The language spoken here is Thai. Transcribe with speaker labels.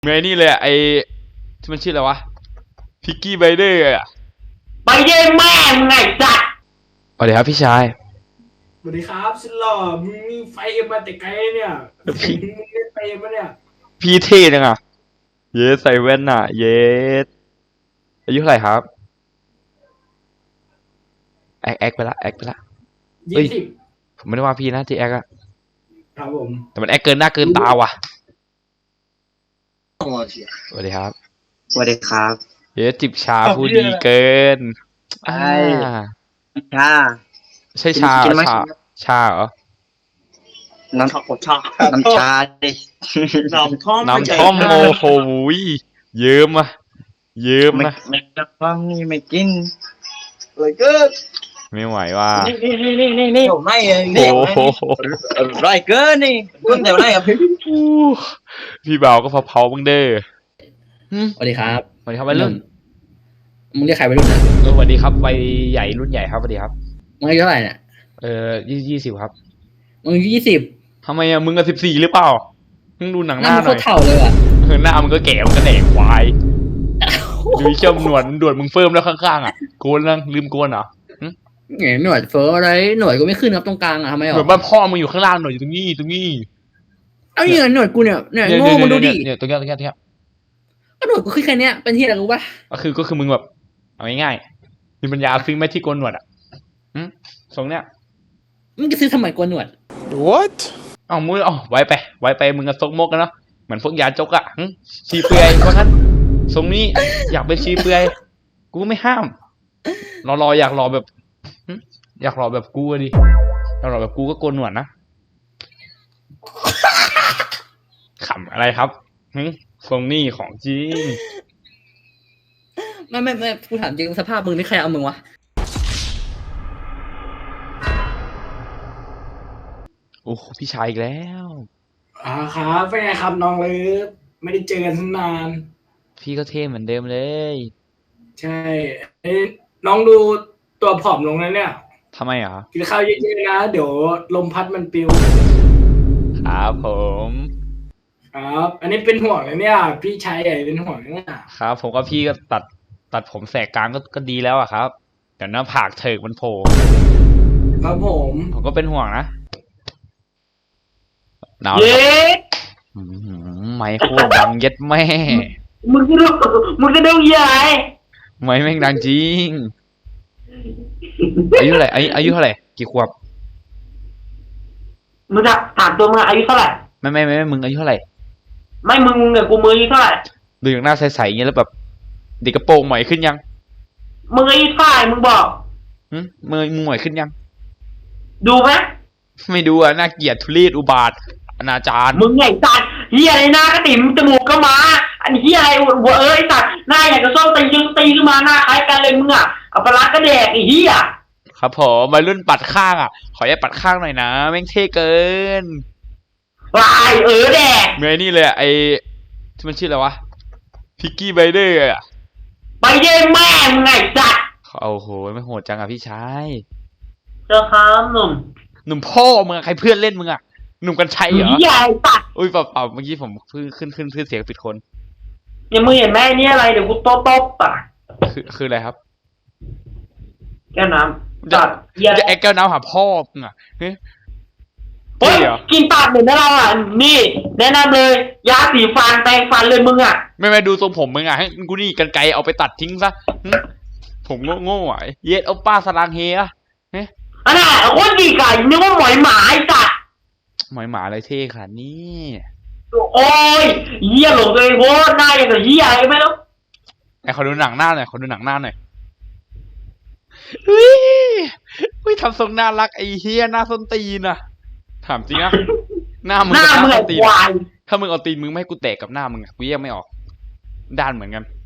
Speaker 1: เมื่อนี่เลยไอที่มันชื่ออะไรวะพิกกี้ไบเดอร์อะ
Speaker 2: ไปเย่แม่มึงไงจัด
Speaker 1: สวัสดีครับพี่ชาย
Speaker 2: สวัสดีครับสุดหล่อมึงมีไฟมาแต่ไกลเนี่ยมึงเล่นไฟมาเนี่ย
Speaker 1: พี่เท่จังอะเยสใส่แว่นอะเยสอายุเท่าไหร่ครับแอคไปละ
Speaker 2: 20
Speaker 1: ผมไม่ได้ว่าพี่นะที่แอคอะ
Speaker 2: ครับผม
Speaker 1: แต่มันแอคเกินหน้าเกินตาว่ะสวัสดีครับ
Speaker 3: สวัสดีครับ
Speaker 1: เยสจิบชาผู้ดีเกิน
Speaker 3: ใช่ชา
Speaker 1: ใช่ชาชาเหรอ
Speaker 3: น้ำชาน้ำชาดิ
Speaker 1: น้ำท่อมโอ้โหเยิ้มอะเยิ้มนะ
Speaker 3: ไม่ฟังนี่ไม่กินเลยเกิน
Speaker 1: ไม่ไหวว่ะ
Speaker 3: นี่ผมไม่นี่ไรเกินนี่คุณเดี๋ยวไรครับ
Speaker 1: พี่เบาก็เผาๆบ้างเด้อ
Speaker 4: สวัสดีครับ
Speaker 1: สวัสดีครับวัยรุ่น
Speaker 4: มึงเรียกใครวัยรุ่นนะ
Speaker 1: สวัสดีครับวัยใหญ่รุ่นใหญ่ครับสวัสดีครับ
Speaker 4: มึงอายุเท่าไหร่เนี่ย
Speaker 1: 20ครับ
Speaker 4: มึง20
Speaker 1: ทำไมอะมึง14หรือเปล่ามึงดูหนังหน้าหน่อย
Speaker 4: โคตรเท่าเลยอ่ะ
Speaker 1: หน้ามึงก็แก่มึงก็แหนควายดูเขี้ยวหนวดมึงเฟิร์มแล้วข้างๆอ่ะโกนแล้วลืมโกนเหรอ
Speaker 4: ไงหนวดเฟอร์อะไรหนวดก็ไม่ขึ้นครับตรงกลางอ่ะทำไมหรอ
Speaker 1: หนวดบ้านพ่อมึงอยู่ข้างล่างหนวดอยู่ตรงนี้
Speaker 4: เอาเนี่ยหนวดกูเนี่ยโง่มึงดูดิ
Speaker 1: เนี่ยตรงนี้
Speaker 4: ก็หนวดกูขึ้นแค่นี้เป็นที่อะไรรู้ป่ะ
Speaker 1: ก็คือมึงแบบเอาง่ายๆมีปัญญาซื้อไหมที่โกนหนวดอ่ะทรงเนี้ย
Speaker 4: มึงจะซื้อทำไมโกนหนวด
Speaker 1: What มึงไว้ไปมึงก็ซกมกกันเนาะเหมือนพวกยาจกอ่ะชีเปลือยเพราะงั้นทรงนี้อยากเป็นชีเปลือยกูไม่ห้ามรออยากรอแบบอยากรอแบบกูดิอยากรอแบบกูก็โกนหนวดนะขำอะไรครับทรงนี้ของจริง
Speaker 4: ไม่กูถามจริงสภาพมึงนี่ใครเอามึงวะ
Speaker 1: โอ้พี่ชายอีกแล้ว
Speaker 2: ครับเป็นไงครับน้องเลิฟไม่ได้เจอกันนาน
Speaker 1: พี่ก็เท่เหมือนเดิมเลย
Speaker 2: ใช่น้องดูตัวผอมลงแล้วเนี่ย
Speaker 1: ทำไมอ่ะ
Speaker 2: กินข้าวเยอะๆนะเดี๋ยวลมพัดมันปิว
Speaker 1: ครับผม
Speaker 2: ครับอันนี้เป็นห่วงเลยเนี่ยพี่ชายใหญ่เป็นห่วงเนี่ย
Speaker 1: ครับผมก็พี่ก็ตัดผมแสกกลางก็ดีแล้วอะครับเดี๋ยวหน้าผากเถิกมันโผล่
Speaker 2: ครับผม
Speaker 1: ก็เป็นห่วงนะหนาวไม่โคตรดังเย็ดแม่
Speaker 2: มึงก็ดูใหญ่
Speaker 1: ไม่แม่งดังจริงอายุเท่าไหร่อายุเท่าไหร่กี่ขวบ
Speaker 2: มึงจะถามตัวมึงอายุเท่าไหร่
Speaker 1: ไม่มึงอายุเท่าไหร่
Speaker 2: ไม่มึงเนี่ยกูมืออายุเท่าไหร่
Speaker 1: ดูอย่างหน้าใสๆอย่างเงี้ยแล้วแบบเด็กกระโปรงใหม่ขึ้นยัง
Speaker 2: มึงอายุเท่าไหร่มึงบอก
Speaker 1: มึงใหม่ขึ้นยัง
Speaker 2: ดูไหม
Speaker 1: ไม่ดูอะน่าเกลียดทุเรศอุบาทอนาจาร
Speaker 2: มึงไงสัตว์เฮียอะไรหน้ากระติ๋มจมูกก็มาอันเฮียอะไรหัวสัตว์หน้าอย่างกระส้มตีขึ้นมาหน้าคล้ายกันเลยมึงอ่ะเอาปลาก็แดกไอ้เฮีย
Speaker 1: ครับผมวัยรุ่นปัดข้างอ่ะขออย่าปัดข้างหน่อยนะแม่งเท่เกิน
Speaker 2: วายแดก
Speaker 1: เมื่อนี่เลยไอที่มันชื่ออะไรวะพิกกี้ไบเดอร์อะ
Speaker 2: ไปเย่แม่มึงไงสัตว์
Speaker 1: โอ้โหไม่โหดจังอ่ะพี่ชาย
Speaker 2: เจ้าครับห
Speaker 1: นุ่มพ่อมึงใครเพื่อนเล่นมึงอ่ะหนุ่มกันชัยเหรอ
Speaker 2: ใหญ่ตัด
Speaker 1: อุ้ยเปล่าเมื่อกี้ผมขึ้นเสียงปิดคน
Speaker 2: ยังมึงเห็นแม่นี่อะไรเดี๋ยวกูตบอ่ะ
Speaker 1: คืออะไรครับ
Speaker 2: แก้วน้ำ
Speaker 1: จะแก้วน้ำหาพ่อมึงอ่ะเฮ้ย
Speaker 2: กินปากเหมือนเราอ่ะนี่แนะนำเลยยาสีฟันแปรงฟันเลยมึงอ่ะ
Speaker 1: ไม่ดูทรงผมมึงอ่ะให้กูนี่กันไกลเอาไปตัดทิ้งซะผมโง่อ่ะเย็ดเอาป้าสลางเฮีย
Speaker 2: อันน่ะโคตรดีก่ะนึกว่าหมอยหมาไอ้สัตว์
Speaker 1: หมายอะไรเท่ขนาดนี้
Speaker 2: โอ้ยเหี้ยหลงเลยโว้หน้าอย่างกับเหี้ยไม่รู้
Speaker 1: ไอ้เขาดูหนังหน้าหน่อยอุ้ยทำทรงน่ารักไอ้เฮียหน้าส้นตีนอ่ะถามจริงอะหน้ามึงกับหน้าส้นตีนถ้ามึงเอาตีนมึงไม่ให้กูแตกกับหน้ามึงอะกูแยกไม่ออกด้านเหมือนกัน